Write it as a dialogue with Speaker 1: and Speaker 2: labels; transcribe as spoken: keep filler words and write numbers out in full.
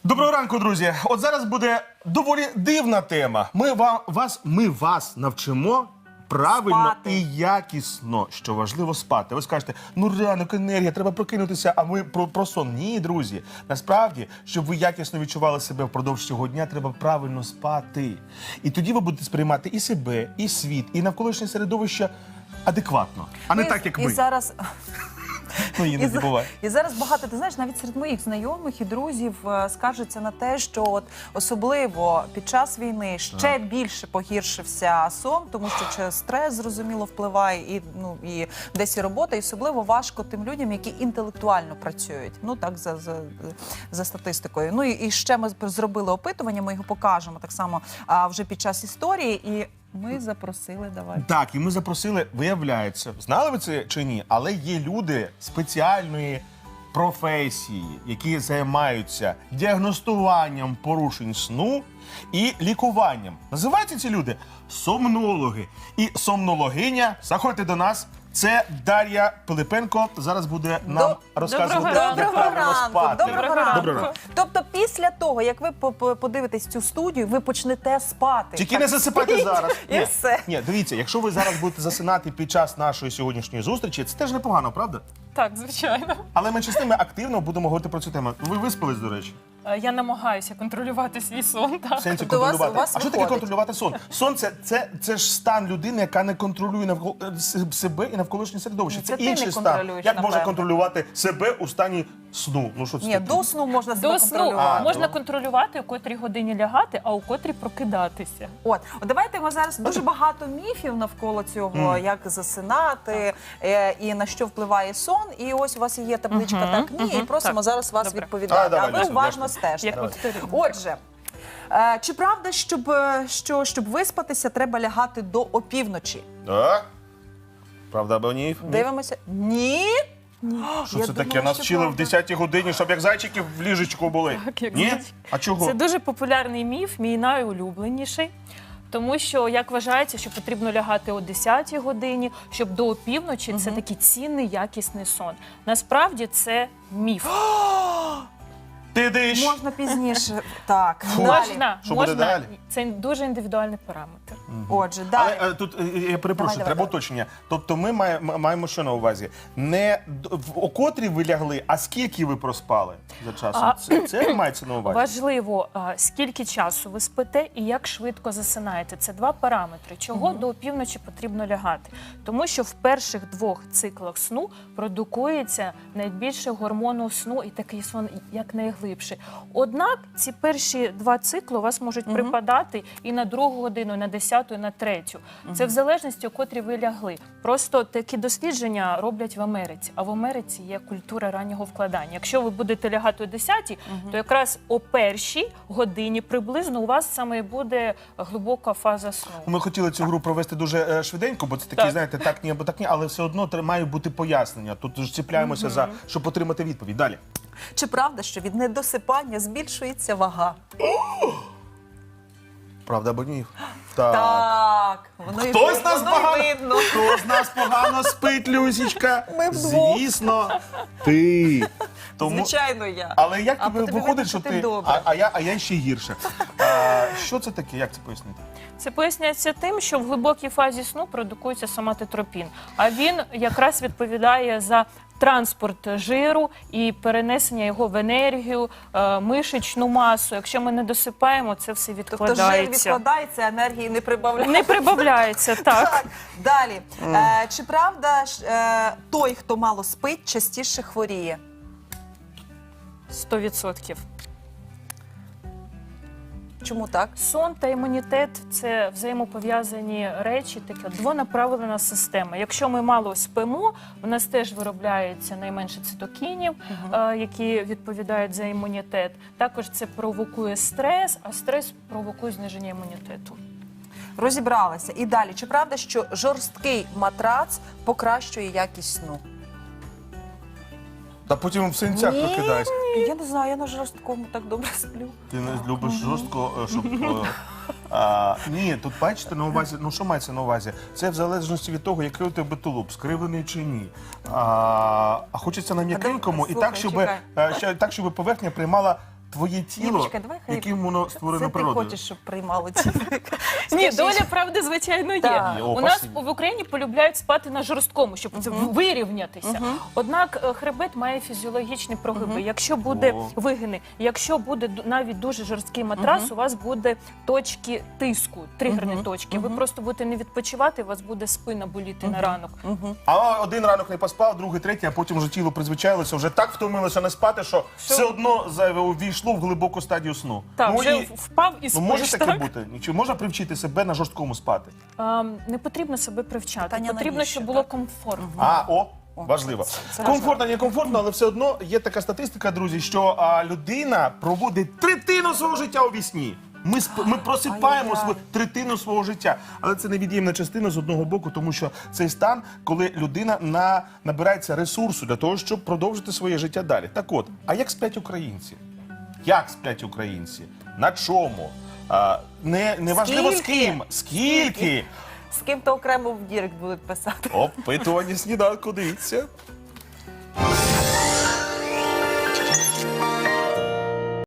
Speaker 1: Доброго ранку, друзі. От зараз буде доволі дивна тема. Ми вам, вас, ми вас навчимо правильно
Speaker 2: Спати.
Speaker 1: і якісно, що важливо спати. Ви скажете, ну ранок, енергія, треба прокинутися, а ми про, про сон. Ні, друзі. Насправді, щоб ви якісно відчували себе впродовж цього дня, треба правильно спати. І тоді ви будете сприймати і себе, і світ, і навколишнє середовище адекватно, а не
Speaker 2: Ну,
Speaker 1: так, як
Speaker 2: і
Speaker 1: ми.
Speaker 2: зараз...
Speaker 1: Ну,
Speaker 2: І,
Speaker 1: іноді
Speaker 2: за-
Speaker 1: буває.
Speaker 2: і зараз багато, ти знаєш, навіть серед моїх знайомих і друзів е, скаржаться на те, що от особливо під час війни ще більше погіршився сон, тому що через стрес, зрозуміло, впливає і, ну, і десь і робота, і особливо важко тим людям, які інтелектуально працюють. Ну так, за, за, за статистикою. Ну і, і ще ми зробили опитування, ми його покажемо так само а, вже під час історії. І ми запросили, давай.
Speaker 1: Так, і ми запросили, виявляється, знали ви це чи ні, але є люди спеціальної професії, які займаються діагностуванням порушень сну і лікуванням. Називаються ці люди сомнологи. І сомнологиня, заходьте до нас, це Дар'я Пилипенко. Зараз буде нам
Speaker 2: До-
Speaker 1: розказувати,
Speaker 2: Доброго
Speaker 1: як правильно
Speaker 2: ранку,
Speaker 1: спати.
Speaker 2: доброго ранку.
Speaker 1: Доброго ранку.
Speaker 2: Тобто після того, як ви по- по- подивитесь цю студію, ви почнете спати.
Speaker 1: Тільки
Speaker 2: Так,
Speaker 1: не засипайте
Speaker 2: спіть,
Speaker 1: зараз.
Speaker 2: І все.
Speaker 1: Ні, дивіться, якщо ви зараз будете засинати під час нашої сьогоднішньої зустрічі, це теж непогано, правда?
Speaker 3: Так, звичайно.
Speaker 1: Але менше з тим ми активно будемо говорити про цю тему. Ви виспались, до речі?
Speaker 3: Е, Я намагаюся контролювати свій сон.
Speaker 1: В
Speaker 3: Так.
Speaker 1: сенсі
Speaker 2: Тобто у вас-
Speaker 1: контролювати.
Speaker 2: у вас
Speaker 1: А що таке
Speaker 2: виходить?
Speaker 1: контролювати сон? Сон це, це, це ж стан людини, яка не контролює навколо е, с- себе і навколишнє середовище.
Speaker 2: Ні,
Speaker 1: Це,
Speaker 2: це ти не
Speaker 1: інший стан.
Speaker 2: контролюєш,
Speaker 1: Як може
Speaker 2: напевно.
Speaker 1: контролювати себе у стані сну? Ну що це
Speaker 2: Ні,
Speaker 1: таке?
Speaker 2: до сну можна себе
Speaker 3: До сну
Speaker 2: контролювати.
Speaker 1: А,
Speaker 3: можна
Speaker 1: то-
Speaker 3: контролювати, у котрій годині лягати, а у котрій прокидатися.
Speaker 2: От, от давайте ми зараз дуже багато міфів навколо цього, як засинати е, і на що впливає сон. І ось у вас є табличка
Speaker 3: Мгм,
Speaker 2: так, ні, і
Speaker 3: мгм,
Speaker 2: просимо
Speaker 3: так.
Speaker 2: зараз вас
Speaker 3: Добре.
Speaker 2: відповідати.
Speaker 1: А,
Speaker 2: А,
Speaker 1: давай,
Speaker 2: ви
Speaker 1: Люся,
Speaker 2: уважно
Speaker 1: дякую.
Speaker 2: стежте.
Speaker 3: Як
Speaker 1: Давай.
Speaker 3: повторюю.
Speaker 2: Отже, е, чи правда, щоб, е, що, щоб виспатися, треба лягати до опівночі?
Speaker 1: Так? Правда або ні? Ні?
Speaker 2: Дивимося. Ні.
Speaker 1: Що
Speaker 2: Я
Speaker 1: це
Speaker 2: думала,
Speaker 1: таке? Нас
Speaker 2: що
Speaker 1: вчили в
Speaker 2: правда.
Speaker 1: десятій годині, щоб як зайчики в ліжечку були.
Speaker 3: Так, як
Speaker 1: Ні?
Speaker 3: зайчики.
Speaker 1: А чого?
Speaker 3: Це дуже популярний міф, мій найулюбленіший. Тому що, як вважається, що потрібно лягати о десятій годині, щоб до опівночі це такий цінний, якісний сон. Насправді це міф.
Speaker 1: Ти диш.
Speaker 2: Можна пізніше. Так,
Speaker 1: Фу.
Speaker 2: далі.
Speaker 3: Можна,
Speaker 1: Що буде
Speaker 3: можна.
Speaker 1: далі?
Speaker 3: Це дуже індивідуальний параметр.
Speaker 2: Отже, далі.
Speaker 1: Але е, тут е, я перепрошую,
Speaker 2: Давай,
Speaker 1: треба
Speaker 2: давай, давай.
Speaker 1: уточнення. Тобто ми має- м- маємо що на увазі? Не д- в о котрій ви лягли, а скільки ви проспали за часом?
Speaker 3: А-
Speaker 1: Це, це мається на увазі?
Speaker 3: Важливо, а, скільки часу ви спите і як швидко засинаєте. Це два параметри. Чого до опівночі потрібно лягати? Тому що в перших двох циклах сну продукується найбільше гормону сну і такий сон як найглибший. Однак ці перші два цикли у вас можуть припадати і на другу годину, і на десяту, і на третю. Це в залежності, у котрій ви лягли. Просто такі дослідження роблять в Америці. А в Америці є культура раннього вкладання. Якщо ви будете лягати о десятій, то якраз о першій годині приблизно у вас саме і буде глибока фаза сну.
Speaker 1: Ми хотіли цю гру провести дуже е, швиденько, бо це такі,
Speaker 3: Так.
Speaker 1: знаєте, так ні або так ні, але все одно тр- має бути пояснення. Тут ж ціпляємося за, щоб отримати відповідь. Далі.
Speaker 2: Чи правда, що від недосипання збільшується вага?
Speaker 1: Правда або ні? Так.
Speaker 2: Так, воно і
Speaker 1: Хтось
Speaker 2: видно,
Speaker 1: нас
Speaker 2: воно і
Speaker 1: погано,
Speaker 2: видно.
Speaker 1: хто з нас погано спить, Люсічка?
Speaker 2: Ми вдвох.
Speaker 1: Звісно, ти. Тому,
Speaker 2: Звичайно, я.
Speaker 1: але як
Speaker 2: А
Speaker 1: тобі
Speaker 2: по тобі видно,
Speaker 1: виходить,
Speaker 2: що
Speaker 1: що
Speaker 2: ти
Speaker 1: ти,
Speaker 2: добре.
Speaker 1: а, а, я, а я ще гірше. А, що це таке? Як це пояснити?
Speaker 3: Це поясняється тим, що в глибокій фазі сну продукується соматотропін, а він якраз відповідає за транспорт жиру і перенесення його в енергію, е, мишечну масу. Якщо ми не досипаємо, це все
Speaker 2: Тобто жир
Speaker 3: відкладається.
Speaker 2: відкладається, а енергії не прибавляється.
Speaker 3: Не прибавляється, так.
Speaker 2: Так, далі. Е, чи правда ж, е, той, хто мало спить, частіше хворіє?
Speaker 3: Сто відсотків.
Speaker 2: Чому так?
Speaker 3: Сон та імунітет – це взаємопов'язані речі, така двонаправлена система. Якщо ми мало спимо, у нас теж виробляється найменше цитокінів, е, які відповідають за імунітет. Також це провокує стрес, а стрес провокує зниження імунітету.
Speaker 2: Розібралися. І далі. Чи правда, що жорсткий матрац покращує якість сну?
Speaker 1: Та потім в синцях
Speaker 2: Ні,
Speaker 1: прокидаєшся.
Speaker 2: Я не знаю, я на жорсткому так добре сплю.
Speaker 1: Ти не любиш жорстко, е, щоб... е, А, ні, тут бачите на увазі, ну що мається на увазі? Це в залежності від того, який у тебе тулуб, скривлений чи ні. А, а хочеться на м'якенькому і
Speaker 2: Слухай,
Speaker 1: так, щоб,
Speaker 2: чекай.
Speaker 1: е, ще- так, щоб поверхня приймала твоє тіло,
Speaker 2: Ніночка, давай хай
Speaker 1: яким воно створено
Speaker 2: це ти
Speaker 1: природою.
Speaker 2: хочеш, щоб приймало ці
Speaker 3: Ні,
Speaker 2: Скажіть.
Speaker 3: доля правди, звичайно, є.
Speaker 2: Так.
Speaker 1: Ні, о,
Speaker 3: У нас
Speaker 1: спасибі.
Speaker 3: в Україні полюбляють спати на жорсткому, щоб це вирівнятися. Однак е, хребет має фізіологічні прогиби. Якщо буде
Speaker 1: О.
Speaker 3: вигини, якщо буде ду- навіть дуже жорсткий матрас, у вас буде точки тиску, тригерні точки. Ви просто будете не відпочивати, у вас буде спина боліти на ранок.
Speaker 1: А один ранок не поспав, другий, третій, а потім вже тіло призвичайлося, вже так втомилося не спати, що все одно зайве увійшло в глибоку стадію сну.
Speaker 3: Так,
Speaker 1: ну,
Speaker 3: вже
Speaker 1: і,
Speaker 3: впав і
Speaker 1: ну,
Speaker 3: спиш,
Speaker 1: може таке
Speaker 3: так?
Speaker 1: бути? Нічого, можна привчити себе на жорсткому спати?
Speaker 3: Ем, не потрібно себе привчати.
Speaker 2: Питання
Speaker 3: Потрібно,
Speaker 2: навіщо,
Speaker 3: щоб було
Speaker 2: так?
Speaker 3: комфортно.
Speaker 1: А, о, важливо.
Speaker 2: це
Speaker 1: Комфортно, не комфортно, але все одно є така статистика, друзі, що а, людина проводить третину свого життя у вісні. Ми, сп... ми просипаємо
Speaker 2: Ай-яй.
Speaker 1: свою третину свого життя. Але це невід'ємна частина з одного боку, тому що цей стан, коли людина на... набирається ресурсу для того, щоб продовжити своє життя далі. Так от, а як сплять українці? Як сплять українці? На чому? А, не, не важливо з
Speaker 2: Скільки?
Speaker 1: ким. Скільки?
Speaker 2: З ким-то окремо в Дірект будуть писати.
Speaker 1: Опитування сніданку, дивіться.